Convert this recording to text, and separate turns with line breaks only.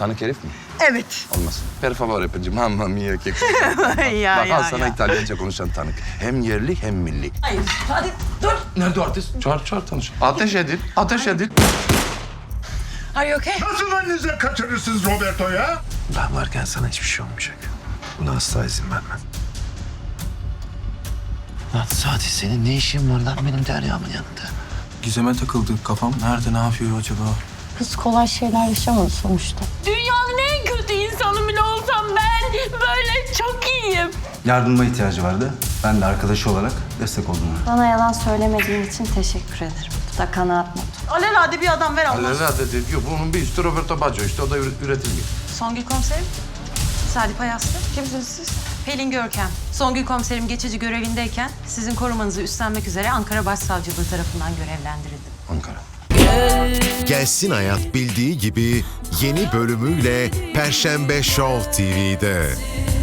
Tanık herif mi?
Evet.
Olmaz. Per favore pecim. Mamma mia che
Ya,
Bak
ya,
al sana
ya.
İtalyanca konuşan tanık. Hem yerli hem milli.
Hayır, hadi dur.
Nerede o artist? Çağır tanış. Ateş edin. Ateş edin.
Are you okay?
Nasıl elinize kaçırırsınız Roberto ya?
Ben varken sana hiçbir şey olmayacak. Buna asla izin vermem. Lan Sadi senin ne işin var lan benim Derya'mın yanında?
Gizem'e takıldı. Kafam nerede, ne yapıyor acaba?
Kız kolay şeyler yaşamadı sonuçta.
Dünyanın en kötü insanı bile olsam ben böyle çok iyiyim.
Yardıma ihtiyacı vardı. Ben de arkadaşı olarak destek oldum ona.
Bana yalan söylemediğin için teşekkür ederim. Bu da kanaat notu.
Alelade bir adam ver Allah.
Alelade diyor. Bunun bir üstü Roberto Baggio işte. O da üretilmiyor.
Songül komiserim. Sadi Payaslı. Kimsiniz siz? Pelin Görkem. Songül komiserim geçici görevindeyken sizin korumanızı üstlenmek üzere Ankara Başsavcılığı tarafından görevlendirildim.
Ankara.
Gelsin Hayat bildiği gibi yeni bölümüyle Perşembe Show TV'de.